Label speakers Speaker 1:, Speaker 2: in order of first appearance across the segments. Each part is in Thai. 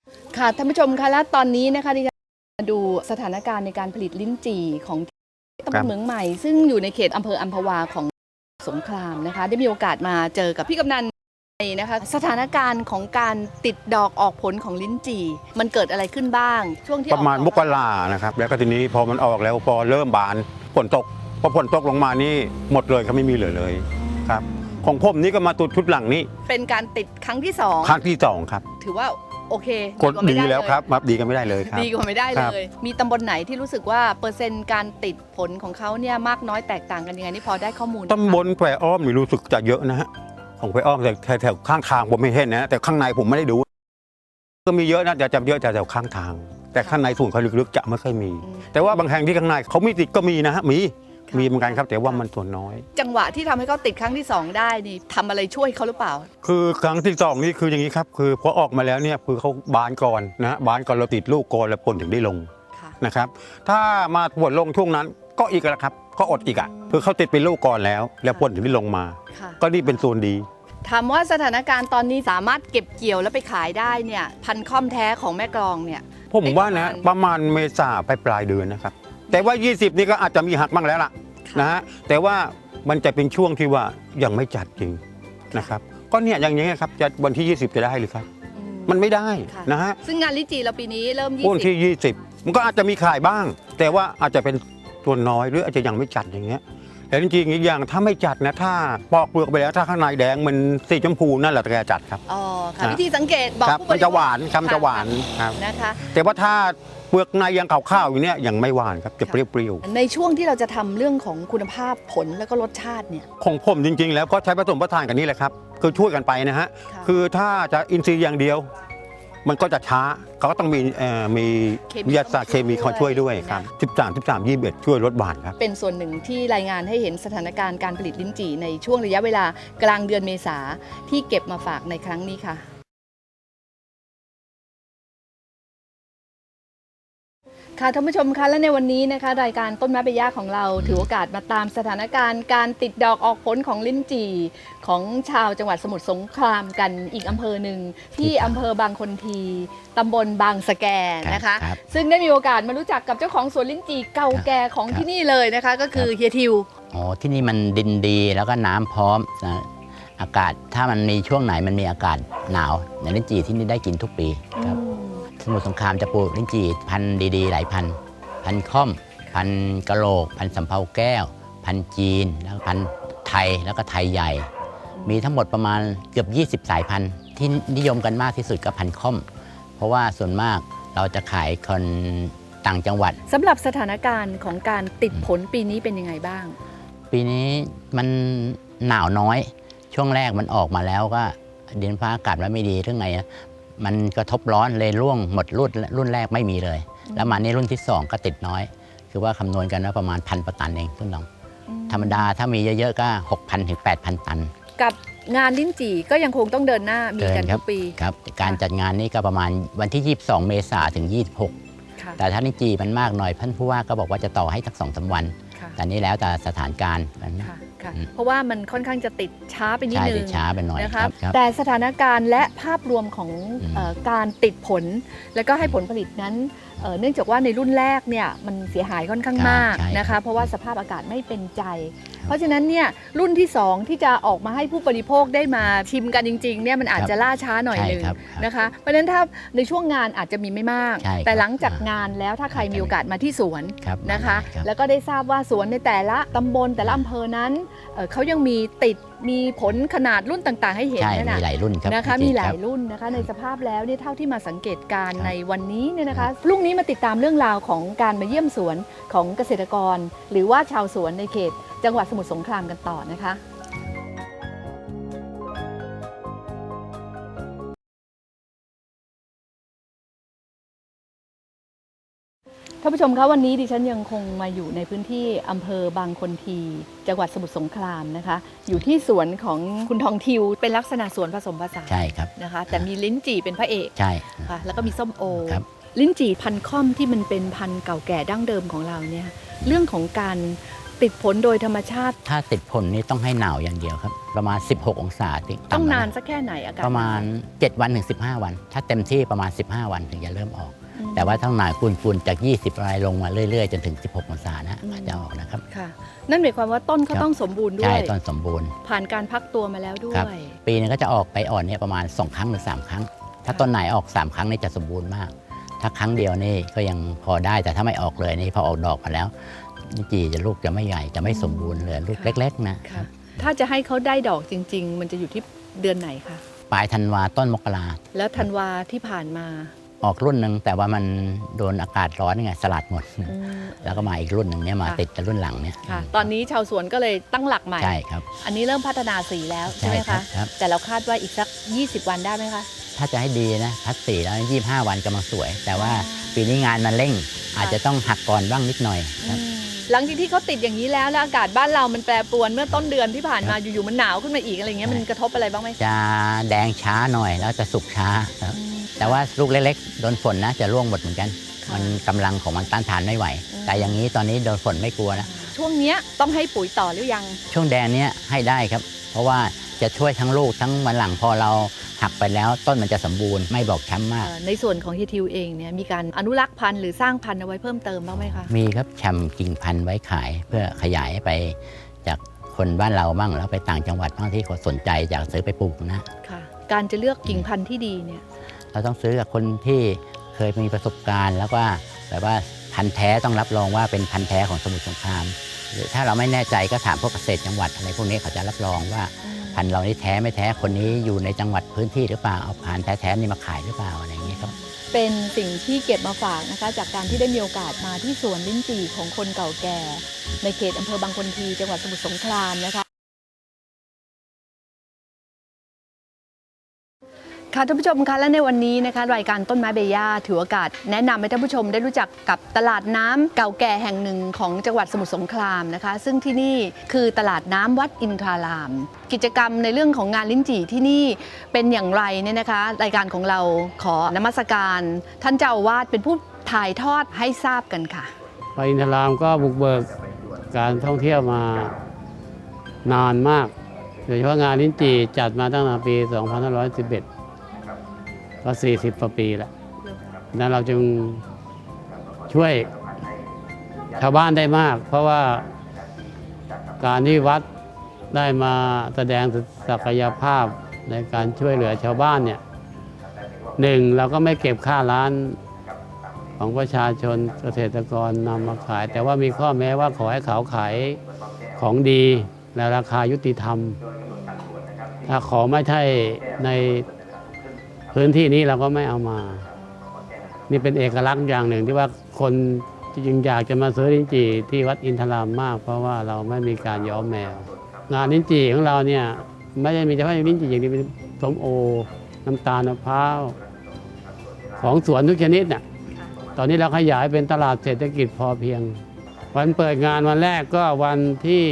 Speaker 1: ค่ะท่านผู้ชมคะและตอนนี้นะคะดิฉันมาดูสถานการณ์ในการผลิตลิ้นจี่ของตำบลเหมืองใหม่ซึ่งอยู่ในเขตอำเภออัมพวาของสงขลามนะคะได้มีโอกาสมาเจอกับพี่กำนันนะคะสถานการณ์ของการติดดอกออกผลของลิ้นจี่มันเกิดอะไรขึ้นบ้างช่วงที่
Speaker 2: ประมาณมกรานะครับแล้วก็ทีนี้พอมันออกแล้วพอเริ่มบานฝนตกพอฝนตกลงมานี่หมดเลยเขาไม่มีเหลือเลยครับของผมนี่ก็มาตุดชุดหลังนี้
Speaker 1: เป็นการติดครั้งที่
Speaker 2: ครั้งที่สองครับ
Speaker 1: ถือว่าโอเค
Speaker 2: กดดีแล้วครับดีกันไม่ได้เลยครับ
Speaker 1: ดีกว่าไม่ได้เลยมีตำบลไหนที่รู้สึกว่าเปอร์เซ็นต์การติดผลของเขาเนี่ยมากน้อยแตกต่างกันยังไงนี่พอได้ข้อมูล
Speaker 2: ตำบลแควอ้อมนี่รู้สึกจะเยอะนะฮะของแควอ้อมแต่แถวข้างทางผมไม่เห็นนะแต่ข้างในผมไม่ได้ดูก็มีเยอะนะแต่จะเยอะแต่แถวข้างทางแต่ข้างในส่วนเขาลึกๆจะไม่ค่อยมี แต่ว่าบางแห่งที่ข้างในเขาไม่ติดก็มีนะฮะมีเหมือนกันครับแต่ว่ามันส่วนน้อย
Speaker 1: จังหวะที่ทำให้เขาติดครั้งที่2ได้นี่ทำอะไรช่วยเขาหรือเปล่า
Speaker 2: คือครั้งที่2นี่คืออย่างนี้ครับคือพอออกมาแล้วเนี่ยคือเขาบานก่อนนะบานก่อนเราติดลูกก่อนแล้วผลถึงได้ลงนะครับถ้ามาผลลงช่วงนั้นก็อีกแล้วครับก็อดอีกอ่ะคือเขาติดเป็นลูกก่อนแล้วผลถึงได้ลงมาก็นี่เป็นส่วนดี
Speaker 1: ถามว่าสถานการณ์ตอนนี้สามารถเก็บเกี่ยวแล้วไปขายได้เนี่ยพันธุ์ค่อมแท้ของแม่กลองเนี่ย
Speaker 2: ผมว่านะประมาณเมษาปลายเดือนนะครับแต่ว่า20นี่ก็อาจจะมีหักบ้างแล้วล่ะนะฮะแต่ว่ามันจะเป็นช่วงที่ว่ายังไม่จัดจริงนะครับก็เนี่ยอย่างนี้ครับจะวันที่20จะได้หรือครับมันไม่ได้นะฮะ
Speaker 1: ซึ่งงานลิ้นจี่เราปีนี้เริ่ม
Speaker 2: วันที่20มันก็อาจจะมีขายบ้างแต่ว่าอาจจะเป็นส่วนน้อยหรืออาจจะยังไม่จัดอย่างเงี้ยแต่จริงๆอีกอย่างถ้าไม่จัดนะถ้าปอกเปลือกไปแล้วถ้าข้างในแดงมันสีชมพูนั่นแหละจะจัดครับ
Speaker 1: อ๋อค่ะวิธีสังเกตบอกผู้บริโภค
Speaker 2: มันจะหวานคำจะหวานครับ
Speaker 1: นะคะ
Speaker 2: แต่ว่าถ้าเปลือกในยังขาวๆอยู่เนี่ยยังไม่หวานครับจะเปรี้ยว
Speaker 1: ๆในช่วงที่เราจะทำเรื่องของคุณภาพผลแล้วก็รสชาติเนี่ย
Speaker 2: ของผมจริงๆแล้วก็ใช้ผสมผสานกันนี่แหละครับคือช่วยกันไปนะฮะคือถ้าจะอินทรีย์อย่างเดียวมันก็จะช้าเขาก็ต้องมีวิทยาศาสตร์เคมีเขาช่วยด้วยครับ13 21ช่วยลดหวานครับ
Speaker 1: เป็นส่วนหนึ่งที่รายงานให้เห็นสถานการณ์การผลิตลิ้นจี่ในช่วงระยะเวลากลางเดือนเมษาที่เก็บมาฝากในครั้งนี้ค่ะค่ะท่านผู้ชมคะและในวันนี้นะคะรายการต้นไม้ใบหญ้าของเราถือโอกาสมาตามสถานการณ์การติดดอกออกผลของลิ้นจี่ของชาวจังหวัดสมุทรสงครามกันอีกอำเภอหนึ่งที่อำเภอบางคนทีตำบลบางสะแกนะคะซึ่งได้มีโอกาสมารู้จักกับเจ้าของสวนลิ้นจี่เก่าแก่ของที่นี่เลยนะคะก็คือเฮียทิว
Speaker 3: อ๋อที่นี่มันดินดีแล้วก็น้ำพร้อมนะอากาศถ้ามันมีช่วงไหนมันมีอากาศหนาวในลิ้นจี่ที่นี่ได้กินทุกปีครับสมุทรสงครามจะปลูกลิ้นจี่พันธุ์ดีๆหลายพันธุ์ค่อมพันธุ์กะโหลกพันธุ์สำเภาแก้วพันธุ์จีนแล้วพันธุ์ไทยแล้วก็ไทยใหญ่มีทั้งหมดประมาณเกือบ20 สายพันธุ์ที่นิยมกันมากที่สุดก็พันธุ์ค่อมเพราะว่าส่วนมากเราจะขายคนต่างจังหวัด
Speaker 1: สำหรับสถานการณ์ของการติดผลปีนี้เป็นยังไงบ้าง
Speaker 3: ปีนี้มันหนาวน้อยช่วงแรกมันออกมาแล้วก็ดินฟ้าอากาศไม่ดีเรื่องไงมันกระทบร้อนเลยร่วงหมดรุ่นแรกไม่มีเลยแล้วมาในรุ่นที่2ก็ติดน้อยคือว่าคำนวณกันว่าประมาณ1,000 ประตันเองต้นดองธรรมดาถ้ามีเยอะๆก็ 6,000 ถึง 8,000 ตัน
Speaker 1: กับงานลิ้นจี่ก็ยังคงต้องเดินหน้ามีกันทุกปี
Speaker 3: ครับการจัดงานนี้ก็ประมาณวันที่22 เมษายนถึง26แต่ถ้าลิ้นจี่มันมากหน่อยท่านผู้ว่าก็บอกว่าจะต่อให้สัก 2-3 วันแต่นี้แล้วแต่สถานการณ์
Speaker 1: เพราะว่ามันค่อนข้างจะติดช้าไปนิดนึง
Speaker 3: ช้าไปหน่อย
Speaker 1: นะคะแต่สถานการณ์และภาพรวมของการติดผลและก็ให้ผลผลิตนั้นเนื่องจากว่าในรุ่นแรกเนี่ยมันเสียหายค่อนข้างมากนะคะเพราะว่าสภาพอากาศไม่เป็นใจเพราะฉะนั้นเนี่ยรุ่นที่2ที่จะออกมาให้ผู้บริโภคได้มาชิมกันจริงๆเนี่ยมันอาจจะล่าช้าหน่อยนึงนะคะเพราะฉะนั้นถ้าในช่วงงานอาจจะมีไม่มากแต่หลังจากงานแล้วถ้าใครมีโอกาสมาที่สวนนะคะแล้วก็ได้ทราบว่าสวนในแต่ละตำบลแต่ละอำเภอนั้นเขายังมีผลขนาดรุ่นต่างๆให้เห็น
Speaker 3: มีหลายรุ่น
Speaker 1: นะคะมีหลายรุ่นนะคะในสภาพแล้วเนี่ยเท่าที่มาสังเกตการในวันนี้เนี่ยนะคะพรุ่งนี้มาติดตามเรื่องราวของการมาเยี่ยมสวนของเกษตรกรหรือว่าชาวสวนในเขตจังหวัดสมุทรสงครามกันต่อนะคะท่านผู้ชมคะวันนี้ดิฉันยังคงมาอยู่ในพื้นที่อำเภอบางคนทีจังหวัดสมุทรสงครามนะคะอยู่ที่สวนของคุณทองทิวเป็นลักษณะสวนผสมผสาน
Speaker 3: ใช่ครับ
Speaker 1: นะคะแต่มีลิ้นจี่เป็นพระเอก
Speaker 3: ใช่
Speaker 1: ค่ะแล้วก็มีส้มโอลิ้นจี่พันธุ์ค่อมที่มันเป็นพันธุ์เก่าแก่ดั้งเดิมของเราเนี่ยเรื่องของการติดผลโดยธรรมชาติ
Speaker 3: ถ้าติดผลนี่ต้องให้หนาวอย่างเดียวครับประมาณ 16 องศาที่
Speaker 1: ต้อง
Speaker 3: ต่ำ
Speaker 1: นานสักแค่ไหนอากาศ
Speaker 3: ประมาณ 7 วันถึง 15 วัน ถ้าเต็มที่ประมาณ 15 วันถึงจะเริ่มออก แต่ว่าทั้งหนายฝุ่นจาก 20อะไรลงมาเรื่อยๆ จนถึง 16 องศานะจะออกนะครับ
Speaker 1: ค่ะนั่นหมายความว่าต้นเขาต้องสมบูรณ์ด้
Speaker 3: ใช่
Speaker 1: วย
Speaker 3: ต้นสมบูรณ์
Speaker 1: ผ่านการพักตัวมาแล้วด้ว
Speaker 3: ครับ
Speaker 1: ย
Speaker 3: ปีนึงก็จะออกใบอ่อนเนี่ยประมาณ 2 ครั้งหรือ 3 ครั้ง ถ้าต้นไหนออก 3 ครั้งนี่จะสมบูรณ์มาก ถ้าครั้งเดียวนี่ก็ยังพอได้ แต่ถ้าไม่ออกเลยนี่พอออกดอกมาแล้วลิ้นจี่จะลูกจะไม่ใหญ่จะไม่สมบูรณ์เหลือลูก
Speaker 1: ค่ะ
Speaker 3: เล็กๆนะ
Speaker 1: ค่ะถ้าจะให้เขาได้ดอกจริง ๆ มันจะอยู่ที่เดือนไหนคะ
Speaker 3: ปลายธันวาต้นมกรา
Speaker 1: แล้วธันวาที่ผ่านมา
Speaker 3: ออกรุ่นหนึ่งแต่ว่ามันโดนอากาศร้อนไงสลัดหมด
Speaker 1: อืม
Speaker 3: แล้วก็มาอีกรุ่นหนึ่งเนี่ยมา
Speaker 1: ค่ะ
Speaker 3: ติดกับรุ่นหลังเนี่ย
Speaker 1: ค่ะ ตอนนี้ชาวสวนก็เลยตั้งหลักใหม่
Speaker 3: ใช่ครับ
Speaker 1: อันนี้เริ่มพัฒนาสีแล้วใช่ไหม
Speaker 3: ครั
Speaker 1: คะ
Speaker 3: ครับ
Speaker 1: แต่เราคาดว่าอีกสัก 20 วันได้ไหมคะ
Speaker 3: ถ้าจะให้ดีนะพัดสีแล้ว 25 วันกำลังสวย แต่ว่าปีนี้งานมันเร่ง อาจจะต้องหักก่อนบ้างนิดหน่อยครับ
Speaker 1: หลังจากที่เขาติดอย่างนี้แล้วอากาศบ้านเรามันแปรปรวนเมื่อต้นเดือนที่ผ่านมาอยู่ๆมันหนาวขึ้นมาอีกอะไรเงี้ยมันกระทบอะไรบ้างไหม
Speaker 3: จะแดงช้าหน่อยแล้วจะสุกช้าครับแต่ว่าลูกเล็กๆโดนฝนนะจะร่วงหมดเหมือนกัน มันกำลังของมันต้านทานไม่ไหว แต่อย่างนี้ตอนนี้โดนฝนไม่กลัวนะ
Speaker 1: ช่วงเนี้ยต้องให้ปุ๋ยต่อหรือยัง
Speaker 3: ช่วงแดงเนี้ยให้ได้ครับ เพราะว่าจะช่วยทั้งลูกทั้งวันหลังพอเราหักไปแล้วต้นมันจะสมบูรณ์ไม่บอกช้ำมาก
Speaker 1: ในส่วนของฮิทิวเองเนี่ยมีการอนุรักษ์พันธุ์หรือสร้างพันธุ์เอาไว้เพิ่มเติมบ้างไหมคะ
Speaker 3: มีครับแชมกิ่งพันธุ์ไว้ขายเพื่อขยายไปจากคนบ้านเราบ้างแล้วไปต่างจังหวัดบ้างที่เขาสนใจอยากซื้อไปปลูกนะ
Speaker 1: ค่ะการจะเลือกกิ่งพันธุ์ที่ดีเนี่ย
Speaker 3: เราต้องซื้อกับคนที่เคยมีประสบการณ์ แล้วก็แบบว่าพันธุ์แท้ต้องรับรองว่าเป็นพันธุ์แท้ของสมุทรสงครามหรือถ้าเราไม่แน่ใจก็ถามพวกเกษตรจังหวัดอะไรพวกนี้เขาจะรับรองว่าพันธุ์เรานี่แท้ไม่แท้คนนี้อยู่ในจังหวัดพื้นที่หรือเปล่าเอาพันธุ์แท้ๆนี่มาขายหรือเปล่าอะไรอย่างนี้ครับ
Speaker 1: เป็นสิ่งที่เก็บมาฝากนะคะจากการที่ได้มีโอกาสมาที่สวนลิ้นจี่ของคนเก่าแก่ ในเขตอำเภอบางคนทีจังหวัดสมุทรสงครามนะคะค่ะท่านผู้ชมคะและในวันนี้นะคะรายการต้นไม้เบย่าถือโอกาสแนะนำให้ท่านผู้ชมได้รู้จักกับตลาดน้ำเก่าแก่แห่งหนึ่งของจังหวัดสมุทรสงครามนะคะซึ่งที่นี่คือตลาดน้ำวัดอินทราราม กิจกรรมในเรื่องของงานลิ้นจี่ที่นี่เป็นอย่างไรเนี่ยนะคะรายการของเราขอนมัสการท่านเจ้าอาวาสเป็นผู้ถ่ายทอดให้ทราบกันค่ะ
Speaker 4: วัดอินทรามก็บุกเบิกการท่องเที่ยวมานานมากโดยเฉพาะงานลิ้นจี่จัดมาตั้งแต่ปี 2511 ก็40 กว่าปีแล้วนั้นเราจึงช่วยชาวบ้านได้มาก เพราะว่าการที่วัดได้มาแสดงศักยภาพในการช่วยเหลือชาวบ้านเนี่ยหนึ่งเราก็ไม่เก็บค่าร้านของประชาชนเกษตรกรนำมาขาย แต่ว่ามีข้อแม้ว่าขอให้เขาขายของดีและราคายุติธรรม ถ้าของไม่ใช่ในพื้นที่นี้เราก็ไม่เอามา นี่เป็นเอกลักษณ์อย่างหนึ่งที่ว่าคนจึงอยากจะมาซื้อลิ้นจี่ที่วัดอินทรามมาก เพราะว่าเราไม่มีการย้อมแมว งานลิ้นจี่ของเราเนี่ยไม่ได้มีเฉพาะลิ้นจี่อย่างเดียวเป็นส้มโอน้ำตาลมะพร้าวของสวนทุกชนิดน่ะตอนนี้เราขยายเป็นตลาดเศรษฐกิจพอเพียง วันเปิดงานวันแรกก็วันที่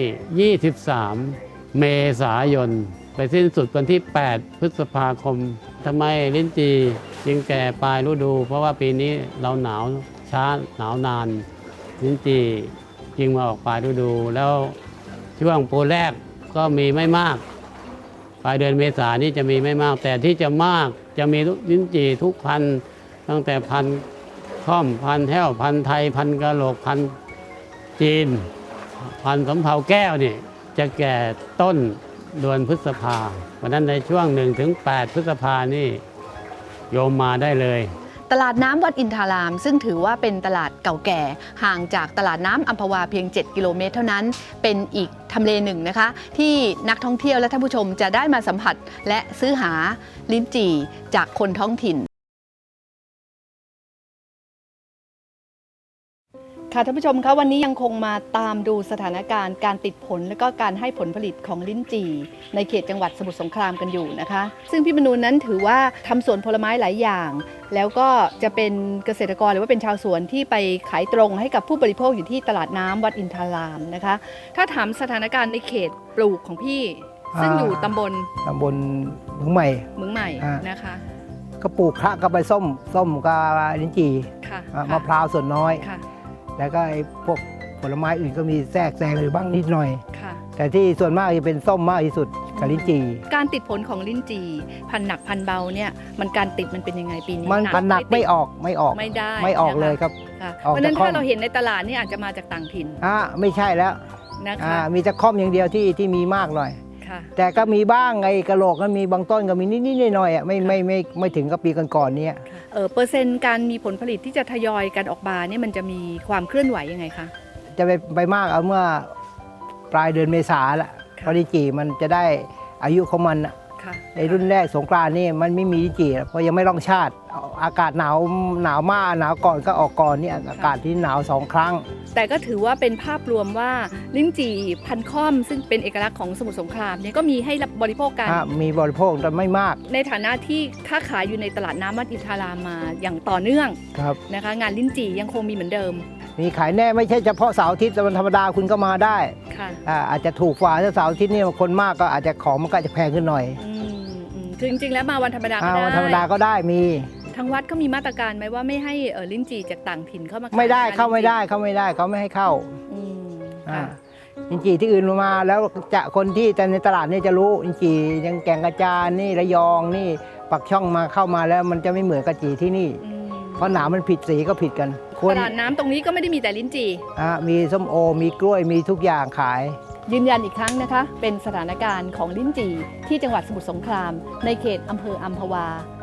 Speaker 4: 23 เมษายนไปสิ้นสุดวันที่ 8 พฤษภาคมทำไมลิ้นจี่จึงแก่ปลายฤดู เพราะว่าปีนี้เราหนาวช้าหนาวนานลิ้นจี่จึงมาออกปลายฤดู แล้วช่วงปูแรกก็มีไม่มากปลายเดือนเมษายนนี่จะมีไม่มาก แต่ที่จะมากจะมีลิ้นจี่ทุกพันธุ์ตั้งแต่พันธุ์ค่อมพันธุ์แห้วพันธุ์ไทยพันธุ์กะโหลกพันธุ์จีนพันธุ์สำเภาแก้วนี่จะแก่ต้นเดือนพฤษภาวันนั้นในช่วง 1-8 พฤษภานี่โยมมาได้เลย
Speaker 1: ตลาดน้ำวัดอินทรารามซึ่งถือว่าเป็นตลาดเก่าแก่ห่างจากตลาดน้ำอัมพวาเพียง 7 กิโลเมตรเท่านั้นเป็นอีกทำเลหนึ่งนะคะที่นักท่องเที่ยวและท่านผู้ชมจะได้มาสัมผัสและซื้อหาลิ้นจี่จากคนท้องถิ่นค่ะท่านผู้ชมคะวันนี้ยังคงมาตามดูสถานการณ์การติดผลและก็การให้ผลผลิตของลิ้นจี่ในเขตจังหวัดสมุทรสงครามกันอยู่นะคะซึ่งพี่มนูนนั้นถือว่าทำสวนผลไม้หลายอย่าง แล้วก็จะเป็นเกษตรกรหรือว่าเป็นชาวสวนที่ไปขายตรงให้กับผู้บริโภคอยู่ที่ตลาดน้ำวัดอินทรารามนะคะถ้าถามสถานการณ์ในเขตปลูกของพี่ซึ่งอยู่ตำบล
Speaker 5: เมืองใหม่
Speaker 1: เมืองใหม่นะคะ
Speaker 5: ก็ปลูกพระกับใบส้มกับลิ้นจี่
Speaker 1: ค่ะ
Speaker 5: มะพร้าวส่วนน้อย
Speaker 1: ค่ะ
Speaker 5: แล้วก็ไอ้พวกผลไม้อื่นก็มีแทรกแซงหรือบ้างนิดหน่อย
Speaker 1: ค่ะ
Speaker 5: แต่ที่ส่วนมากจะเป็นส้มมากที่สุดกับลิ้นจี่
Speaker 1: การติดผลของลิ้นจี่พันหนักพันเบาเนี่ยมันการติดมันเป็นยังไงปีนี้
Speaker 5: มันพันหนักไม่ออก
Speaker 1: ไม่ได้
Speaker 5: ไม่ออกเลยครับ
Speaker 1: ค่ะ
Speaker 5: ออก
Speaker 1: เพราะฉะนั้น
Speaker 5: จากข้อ
Speaker 1: ถ้าเราเห็นในตลาดนี่อาจจะมาจากต่างถิ่น
Speaker 5: ไม่ใช่แล้ว
Speaker 1: นะคะ
Speaker 5: มีแต่ค่อมอย่างเดียวที่มีมากหน่อย
Speaker 1: ค่ะ
Speaker 5: แต่ก็มีบ้างไอ้กระโหลกก็มีบางต้นก็มีนิดๆหน่อยๆอ่ะไม่ถึงกับปีก่อนๆเนี่ย
Speaker 1: เปอร์เซ็นต์การมีผลผลิตที่จะทยอยกันออกมาเนี่ยมันจะมีความเคลื่อนไหวยังไงคะ
Speaker 5: จะไปมากเอาเมื่อปลายเดือนเมษาละ
Speaker 1: ค่ะ
Speaker 5: เพราะลิ้นจี่มันจะได้อายุของมันอะ
Speaker 1: ค่ะ
Speaker 5: ในรุ่นแรกสงกรานต์นี่มันไม่มีลิ้นจี่เพราะยังไม่ร่องชาติ อากาศหนาวมากหนาวก่อนก็ออกก่อนนี่อากาศที่หนาว2 ครั้ง
Speaker 1: แต่ก็ถือว่าเป็นภาพรวมว่าลิ้นจี่พันค่อมซึ่งเป็นเอกลักษณ์ของสมุทรสงครามเนี่ยก็มีให้รับบริโภคกัน
Speaker 5: มีบริโภคแต่ไม่มาก
Speaker 1: ในฐานะที่ค้าขายอยู่ในตลาดน้ำมัดอินทารามมาอย่างต่อเนื่อง
Speaker 5: ครับ
Speaker 1: นะคะงานลิ้นจี่ยังคงมีเหมือนเดิม
Speaker 5: มีขายแน่ไม่ใช่เฉพาะเสาร์อาทิตย์แต่วันธรรมดาคุณก็มาได้
Speaker 1: ค่ะ
Speaker 5: อาจจะถูกกว่าถ้าเสาร์อาทิตย์นี่คนมากก็อาจจะของมันก็อาจจะแพงขึ้นหน่อย
Speaker 1: คือจริงๆแล้วมาวันธรรมดาก็ได้
Speaker 5: วันธรรมดาก็ได้มี
Speaker 1: ทางวัดเขามีมาตรการไหมว่าไม่ให้ลิ้นจี่จากต่างถิ่นเข้ามาขาย
Speaker 5: ไม่ได้
Speaker 1: งน
Speaker 5: เข้าไม่ได้
Speaker 1: ลิ้นจี่
Speaker 5: เขาไม่ได้เขาไม่ให้เข้า
Speaker 1: อืม
Speaker 5: อ่า
Speaker 1: ค่ะ
Speaker 5: อินจีที่อื่นมาแล้วจะคนที่แต่ในตลาดนี่จะรู้อินจียังแก่งกระจานนี่ระยองนี่ปักช่องมาเข้ามาแล้วมันจะไม่เหมือนกะจีที่นี่
Speaker 1: อืม
Speaker 5: เพราะหนามมันผิดสีก็ผิดกัน
Speaker 1: ตลาดน้ำตรงนี้ก็ไม่ได้มีแต่ลิ้นจี่
Speaker 5: มีส้มโอมีกล้วยมีทุกอย่างขาย
Speaker 1: ยืนยันอีกครั้งนะคะ เป็นสถานการณ์ของลิ้นจี่ที่จังหวัดสมุทรสงคราม ในเขตอำเภออัมพวา